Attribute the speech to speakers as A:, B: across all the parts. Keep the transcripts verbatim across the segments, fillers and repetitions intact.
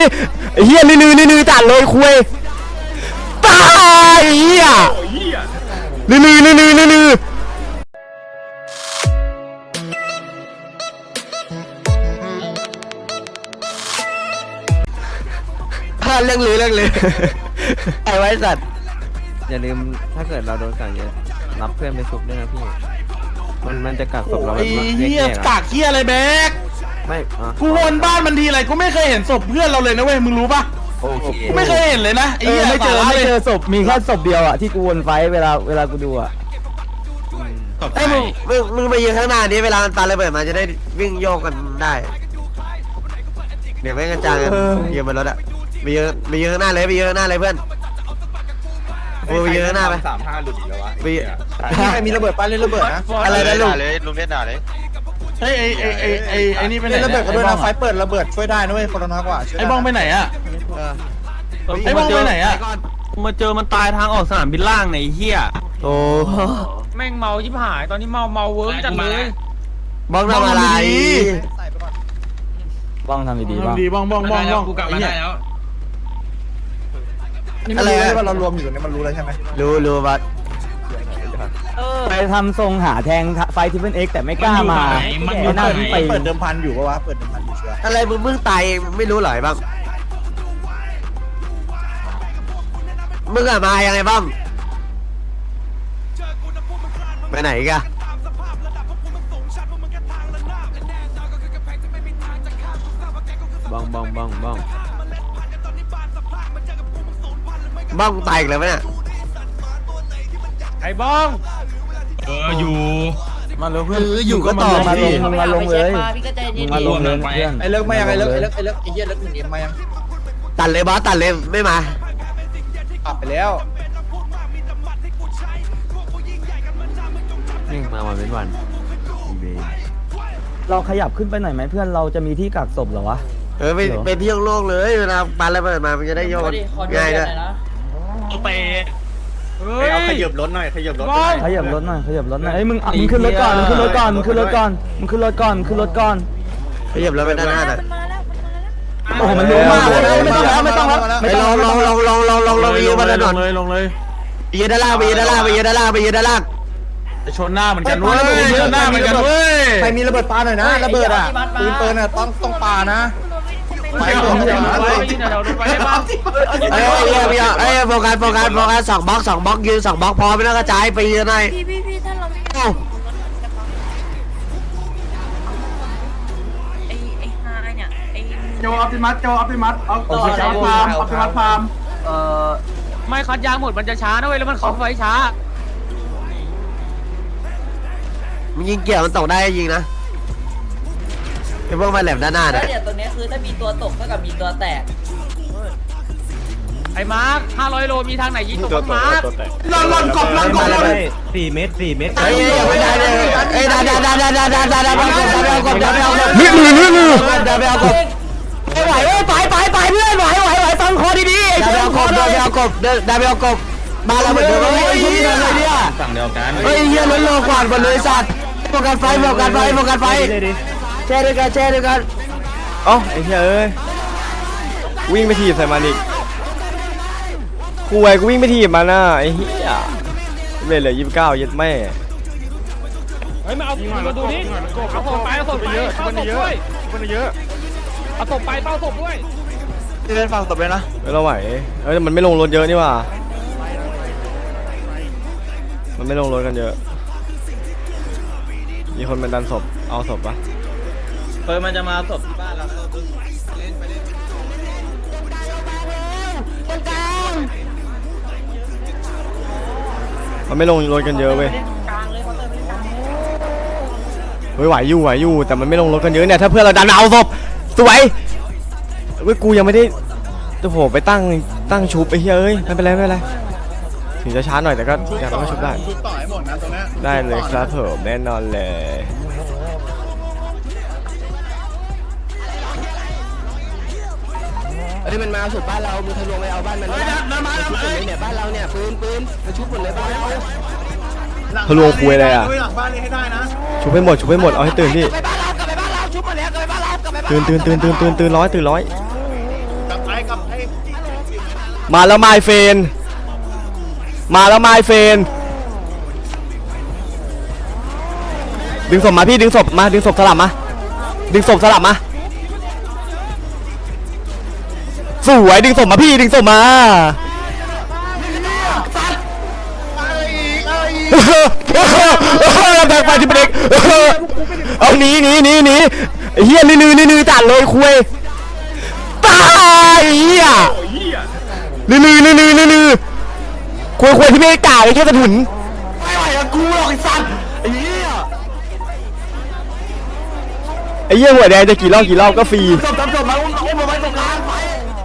A: ไอ้เหี้ยลือลือลือจัดเลยคุยตายเหี้ยลือลือลือลือลือลือเรื่องลือเรื่องลือไอ้ไว้สัตว์อย่าลืมถ้าเกิดเราโดนกักเยอะรับเพื่อนไปชุบด้วยนะพี่มันมันจะกักศพเราแบบเฮีย
B: กักเฮียอะไรแบก
A: ไม่
B: กูวนบ้านมันทีไรกูไม่เคยเห็นศพเพื่อนเราเลยนะเว้ยมึงรู้ปะ
A: โอเค
B: กูไม่เคยเห็นเลยนะไอ้เหี้ย
C: ไม่เจอไม่เจอศพมีแค่ศพเดียวอ่ะที่กูวนไฟเวลาเวลากูดูอ่ะ
A: ไอ้มึงมึงมึงไปยืนข้างหน้านี้เวลามันปาระเบิดมาจะได้วิ่งโยกกันได้เดี๋ยวไม่กันจางกันยืนบนรถอะไปยืนไปยืนข้างหน้าเลยไปยืนข้างหน้าเลยเพื่อนไปยืนข้างหน้าไป
D: สามห้าหลุดอีกแล้ววะ
A: ไป
C: ใครมีระเบิดป้าเล่นระเบิดนะ
A: อะไรนะลุง
D: เลยลุงเล่นด่าเลย
B: เฮ้ยไอ้ไอ้ไอ้ไอ้ไอ้นี่ไปไหน
C: เล่นระเบิดก็ด้วยนะไฟเปิดระเบิดช่วยได้นะเว้ยคนละน้อยกว่า
B: ไอ้บ้องไปไหนอะไอ้บ้องไปไหนอะ
E: มาเจอมันตายทางออกสนามบินล่างในเฮีย
A: โอ้
E: แม่งเมาชิบหายตอนนี้เมาเมาเวิร์กจังเลย
A: บ้องทำอะไร
C: บ้องทำดีๆบ้อง
B: ดีบ้องบ้องบ้องบ้อง
E: กูกลับมาได้แล้ว
C: อะไรว่าเรารวมอยู่ตรงนี้มันรู้แล้วใช่ไหม
A: รู้รู้บัด
C: ไปทำทรงหาแทงไฟทิปเปิลเอ็กแต่ไม่กล้ามา
E: มันอยู่ไหน
C: ไปเปิดเดิมพันอยู่ปะวะเปิดเดิมพันอยู่เชื่อ
A: อะไรมึงมึงตายไม่รู้หรอบ้างมึงอะมายังไงบ้างไปไหนกันบ้องบ้องบ้องบ้องบ้องตายอีกแล้วไหมเนี่ย
E: ไอ้บ้อง
B: เอออยู่
C: มาเลยเพื่อนอยู่ก็ต่อมาลงมึงมาลงเลยมึงมาลงเลยเพื่อนไอ้เลิกมายังไอ้เลิกไอ้เลิกไอ้เลิกไอ้เหี้ยเลิกหนึ่งเอ็มมายัง
A: ตัดเลยบอสตัดเลยไม่มา
C: กลับไปแล้ว
A: นี่มาวันเป็นวัน
C: เราขยับขึ้นไปหน่อยไหมเพื่อนเราจะมีที่กักศพเหรอวะ
A: เออไปไปเที่ยวโลกเลยเวลาปาระเบิดมามันจะได้โยนง่ายด้วย
E: ไป
D: เอาขยับรถหน่อยขยับรถหน่อย
C: ขยับรถหน่อยขยับรถหน่อยเอ้ยมึงมึงขึ้นรถก่อนมึงขึ้นรถก่อนมึงขึ้นรถก่อนมึงขึ้นรถก่อนขึ้นรถก่อน
A: ขยับรถไปด้านหน้าหน่อย
C: โอ้โหมันเยอะมากเลยไม่ต้องแล้วไม่ต้องแล้ว
A: ไปลงลงลงลงลงลงลงไปยืนบนถนน
B: เลยลงเลย
A: ไปยืนด้านล่างไปยืนด้านล่างไปยืนด้านล่างไปยืนด้านล่าง
B: ชนหน้าเหมือนกันเว้ยชนหน้าเหมือนกันเว้ย
C: ใครมีระเบิดปาหน่อยนะระเบิดอ่ะปืนปืนอ่ะต้องต้องปานะ
E: ไปเดี๋ยวไปเดี๋ยวไปได้บ้าง
A: เอ้ยเอ้ยเอ้ยโฟกัสโฟกัสโฟกัสสองบล็อกสองบล็อกยืนสองบล็อกพอไม่ต้องกระจายไปยืนหน่อย
F: พี่พี่พี่ถ้าเราไม่ไอ้ไอ้ฮาเนี่ยไอ้
B: โจออปติมัสโจออปติมัสเอาต่อเอาพามออปติมัสพาม
E: เอ่อไม่คัดยางหมดมันจะช้านะเว้ยแล้วมันขับไฟช้า
A: มึงยิงเกี่ยวมันตกได้ยิงนะไอ้พวกมาแหลมด้านหน้าเนี่ย
F: เดี๋ยวตรงนี้คือถ้ามีตัวตกเท่ากับมีตัวแตก
E: ไอ้มาร์คห้าร้อยโลมีทางไหนยิงตกมาร์ค
B: ล่อนล่อนกบล่อนกบล่อน
C: สี่เมตรสี่เมตร
A: เอ้ยไม่ได้เลยเอ้ยดาดาดาดาดาดาดาดาดาดาดาดานี่มือนี่มือดาไปเอากบไม่ไหวเอ้ยไปไปไปเพื่อนไหวไหวไหวฟังคอดีๆดาไปเอากบดาไปเอากบดาไปเอากบมาแล้วเหมือนเดิมเลยเนี่ย
D: สั่งเดียวกัน
A: เฮ้ยเฮียล้นโลกวาดหมดเลยสัตว์โฟกัสไฟโฟกัสไฟโฟกัสไฟแช่ด้วยกันแช่ด้วยกันอ๋อไอ้เหี้ยเอ้ยวิ่งไปถีบใส่มันอีกกูไอ้กูวิ่งไปถีบมันน่ะไอ้เหี้ยเวลเลยยี่สิบเก้ายัดแม่
E: เฮ้ยมาเอามาดูนี่เอาศพไปเอาศพไปเยอะมันเยอะมันเยอะเอาศพไปเฝ้าศพด้วย
B: เล่นฟังศพเลยนะ
A: เราไหวเอ้ยมันไม่ลงรถเยอะนี่ว่ามันไม่ลงรถกันเยอะมีคนเป็นดันศพเอาศพปะ
E: เฮ้ยมันจะมาศพที่บ้านเรา
A: มันไม่ลงรถกันเยอะเว้ยเฮ้ยไหวอยู่ไหวอยู่แต่มันไม่ลงรถกันเยอะเนี่ยถ้าเพื่อนเราดันเอาศพสวยเว้ยกูยังไม่ได้จะโผล่ไปตั้งตั้งชุบไอ้เฮ้ยเอ้ยไม่เป็นไรไม่เป็นไรถึงจะช้าหน่อยแต่ก็อยากต้องชุบได้ได้เลยครับผมแน่นอนเลยเฮ้ยมันมาสุดบ้านเรามือทะลวงไปเอาบ้านมันเลยมามาชุบหมดเลยเนี่ยบ้านเราเนี่ยปืนปืนมาชุบหมดเลยบ้านเราทะลวงคุยอะไรอ่ะชุบให้หมดชุบให้หมดเอาให้ตื่นพี่ตื่นตื่นตื่นตื่นตื่นตื่นร้อยตื่นร้อยมาแล้วไมเฟนมาแล้วไมเฟนดึงศพมาพี่ดึงศพมาดึงศพสลับมาดึงศพสลับมาสวยดึงศพมาพี่ดึงศพมาแบกไปที่เด็กเอาหนีหนีหนีหนีเฮียลือลือลือจัดเลยคุยตายเฮียลือลือลือลือลือคุยคุยที่ไม่ได้กล่าวแค่กระถุนไม่ไหวกับกูหรอกไอ้สัตว์ไอ้เหี้ยไอ้เหี้ยหัวแดงจะกี่รอบกี่รอบก็ฟรีจบจบจบมาอุ้มอุ้มมาไว้ตรงกลางไป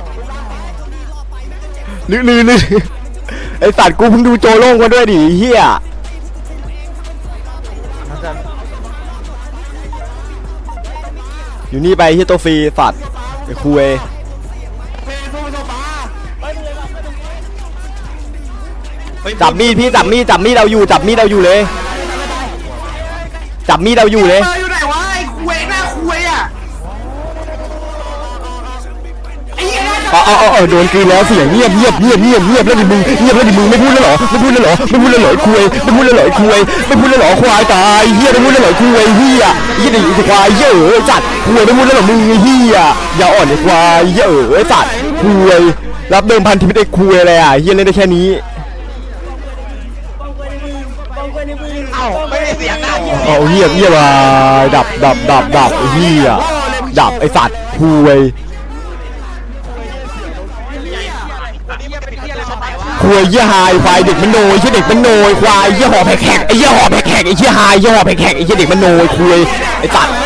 A: ลือลือลือไอ้สัตว์กูเพิ่งดูโจโล่งมาด้วยดิเหี้ยอยู่นี่ไปเฮียตัวฟรีสัตว์ไอ้คุยจับมีดพี่จับมีดจับมีดเราอยู่จับมีดเราอยู่เลยจับมีดเราอยู่เลย
B: อยู่ไหนวะไอ้คุยหน้าคุยอ่ะไอ้เหี้ย
A: อ๋ออ๋ออ๋อโดนกลืนแล้วเสียงเงียบเงียบเงียบเงียบเงียบแล้วดิมึงเงียบแล้วดิมึงไม่พูดแล้วเหรอไม่พูดแล้วเหรอไม่พูดแล้วเหรอคุยไม่พูดแล้วเหรอคุยไม่พูดแล้วเหรอควายตายเฮียไม่พูดแล้วเหรอคุยเฮียเฮียดิควายเฮียเอ๋ยจัดคุยไม่พูดแล้วเหรอมึงเฮียอย่าอ่อนไอ้ควายเฮียเอ๋ยจัดคุยรับเดิมพันที่ไม่ได้คุยอะไรอ่ะเฮียเล่นได้แค่นี้เอาเฮียเฮียมาดับดับดับดับไอ้เฮียดับไอ้สัตว์คุยคุยเยี่ยหายควายเด็กมันโนยเยี่ยเด็กมันโนยควายเยี่ยหอบแผกไอ้เยี่ยหอบแผกไอ้เยี่ยหายเยี่ยหอบแผกไอ้เยี่ยเด็กมันโนยคุยไอ้สัตว์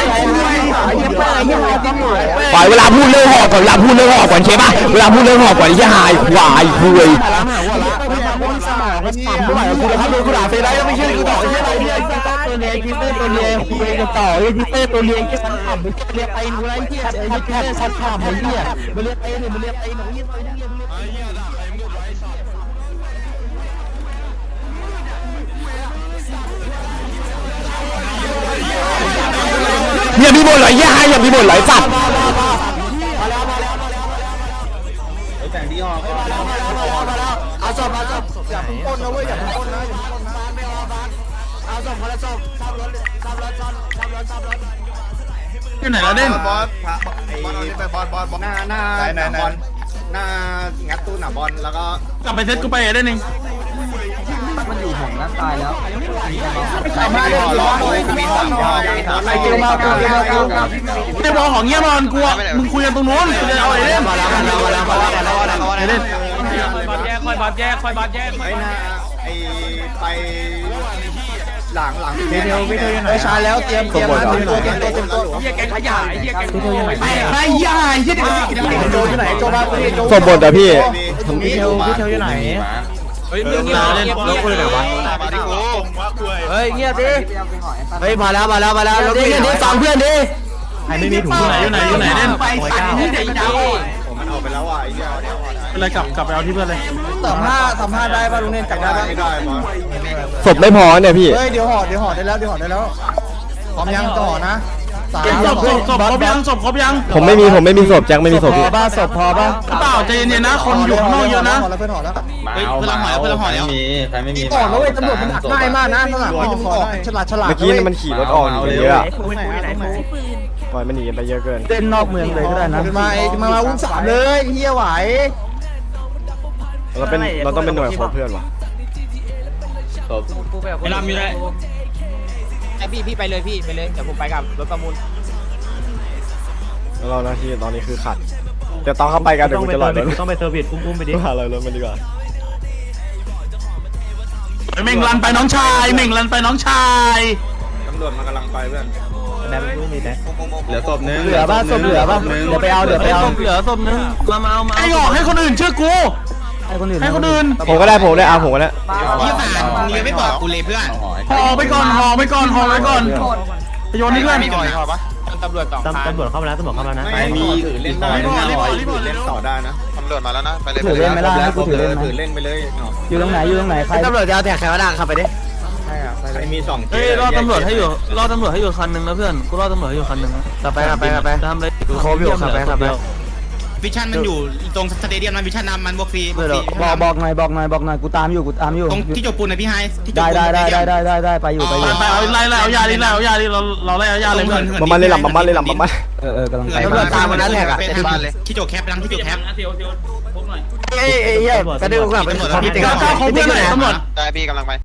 A: ควายเวลาพูดเรื่องหอบก่อนเวลาพูดเรื่องหอบก่อนใช่ปะเวลาพูดเรื่องหอบก่อนไอ้เยี่ยหายควายคุยไม่ไหวกูจะทำโดนกูด่าเฟรได้แล้วไม่เชื่อกูต่อไอ้เยี่ยไอ้เยี่ยตัวเลี้ยงคิปเตอร์ตัวเลี้ยงคุยกันต่อไอ้คิปเตอร์ตัวเลี้ยงแค่ชั้นต่ำมันเรียกไอ้หนูไอ้เยี่ยไอ้แค่ชั้นต่ำไอ้เยี่ยมันเรียกไอ้หนูมันเรียกไอ้หนูเยี่ยไอ้เยี่ยอย่ามีบ่นไหลย่าอย่ามีบ่นไหลสัตว์แต่งดีออกเอาศพเอาศพอย่าเพิ่งปนนะเว้ยอย่าเพิ่งปนนะอย่าเพิ่งปนนะไม่เอาบ้านเอาศพคนละศพซ้ำรถซ้ำรถซ้ำซ้ำรถซ้ำรถ
B: อยู่ไหนแล้วเด่น
D: บอสไอ้บอลไปบอลบอลหน้าหน้าหน้าบอลหน้างัดตู้หน้าบอลแล้วก็
B: กลับไปเซตกูไปได้หนึ่ง
C: มันอยู่ห่องนั้นตายแล้ว
D: ใส่มาเลยรอเลยมีสามยอดมีสาม
C: ไอ้เกี่ยวมาเกี่ยวมาเกี่ยวมา
B: ไอ้บอลของเงี้ยบอลกูอ่ะมึงคุยกันตรงนู้นกูจะเอาไอ้เล่น
C: มาแล้วมาแล้วมาแล้วมาแล้วมาแล้ว
B: ไอ้เล่น
E: บอลแยกคอยบอลแยกคอยบอลแยก
D: ไอ้หน้าไอ้ไปหลังหลัง
C: วิดีโอวิดีโอยังไงชาแล้วเตรียมเตรียมมาเตรียมตัวเตรียมตัวเตรียมตัว
E: เฮียแกงขยะเฮียแกง
C: วิดีโอยังไง
B: ไอ้ยาไอ้เหี้ยเด็ก
C: โจอยู่ไหนโจบ้าพี่โจ
A: ศพบนแต่พี่
C: วิดีโอวิดีโออยู่ไหน
E: เฮ้ยเรื่องนี้เล่นเล่นคุยไหนวะ
D: มาดิกู
C: เฮ้ยเงียบดิเฮ้ยมาแล้วมาแล้วมาแล้วเดี๋ยวดิฟังเพื่อนดิใครไม่มีถุง
B: อยู่ไหนอยู่ไหนอยู่ไหนเล่น
E: ไปสั่งที่ไหนดาว
D: ผมมันออกไปแล้วอ่ะไอ้เหี้ย
B: เป็นไรกลับกลับไปเอาที่เพื่อนเลย
C: สามห้าสามห้าได้ป่ะลุงเน่นจับได้ป่ะ
D: ไม่ได้บอส
A: ศพไม่พอเนี่ยพี่
C: เฮ้ยเดี๋ยวห่อเดี๋ยวห่อได้แล้วเดี๋ยวห่อได้แล้วพร้อมยังต่อนะสาม
B: ศพศพศพครบยังศพครบยัง
A: ผมไม่มีผมไม่มีศพแจ็คไม่มีศพ
C: พ
A: พี่
C: อป่ะศพพอป่ะ
B: เปล่าใจเย็นๆนะคนอยู่ข้างนอกเยอะนะ
C: ห่อแล้วเพื่อนห่อแล้ว
D: เฮ้ยเพื่อนหอยเพื่อนหอยแล้ว
G: ใครไม่มี
C: ก่อนแล้วเว้ยตำรวจมันดักง่ายมากนะตำรวจมันออกฉลาดฉลาด
A: เมื่อกี้นี่มันขี่รถออกหนีกันเยอะอะ
F: ปืน
A: ปล่อยมันหนีกันไปเยอะเกิน
C: เต้นนอกเมืองเลยก็ได้นะมามามาอุ้มสามเลยเฮียไหว
A: เราเป็นเราต้องเป็นหน่วยของเพื่อนว่ะ
E: ไอ้ลำอยู่ไหน
H: ไอพี่พี่ไปเลยพี่ไปเลยเดี๋ยวผมไปกับรถประมูล
A: แล้วเราหน้าที่ตอนนี้คือขัดเดี๋ยวตอนเข้าไปกันเดี๋ยวกูจะหลอยรถ
E: ต้องไปเซอร์วิสกุ้มๆไปดิ
A: หาลอยรถมันดีกว่า
B: เม่งรันไปน้องชายเม่งรันไปน้องชาย
D: ตำรวจมันกำลังไปเพื่อน
E: แบบกุ้งมีแต่
G: เหลือศพนึง
C: เหลือป่ะศพเหลือป่ะเดี๋ยวไปเอาเดี๋ยวไปเอา
E: เหลือศพนึงมามาเอามา
B: ไอ้หอกให้คนอื่นเชื่อกู
C: ให้คนอื่น
B: ให้คนอื่น
A: ผมก็ได้ผมได้เอาผมก็ได้
D: ยี่สิบมึงยังไม่บอกกูเลยเพื่อน
B: ห่อไปก่อนห่อไปก่อนห่อไปก่อนไปโยนนี่เพื่อน
D: มีหน่อยพอปะ
H: ตำรวจสองคัน
E: ตำรวจเข้ามาแล้วตำรวจเข้ามาแล้วนะ
D: ไม่มีถือเล่นได้นะเล่นต่อได้นะตำรวจมาแล้วนะไปเลย
C: ถือเล่นไหมล่ะให้กูถือเล่นไหม
D: ถือเล่นไปเลย
C: อยู่ตรงไหนอยู่ตรงไหนใคร
H: ตำรวจจะเอาแท็กใครมาดังขับไปดิ
D: ใครมีสอง
E: เฮ้ยรอตำรวจให้อยู่รอตำรวจให้อยู่คันนึงนะเพื่อนกูรอตำรวจให้อยู่คันนึงนะ
H: ขับไปขับไปขับไป
E: ทำเลย
H: ดูโคบอยู่ขับไปขับไป
G: วิชั่นมันอยู่ตรงสเตเดียมมันวิชั่นนำมันบวกฟรี
C: บอกบอกหน่อยบอกหน่อยบอกหน่อยกูตามอยู่กูตามอยู่
G: ตรงที่จบปูนนะพี่ไฮที่จบ
C: ได้
G: ปูน
C: ได้ได้ได้ได้ได้ไปอยู่ไปอยู่
B: ไปเอาไล่ไล่เอายาดิไล่เอายาดิเราเราไล่เอายาเลยเพื่อน
A: มามันเลยหลับมามันเลยหลับมามัน
C: เออเออกำลังไป
G: ตำรวจตามมานั้นแหละอะที่จบแคปดังที่จบแคป
C: เอ้ยเอ้ยเอ้ยกระดึ๊บกลับไป
B: พี่ติ๊กของเพื่อนหน่อยตำรวจ
D: ได้พี่กำลังไป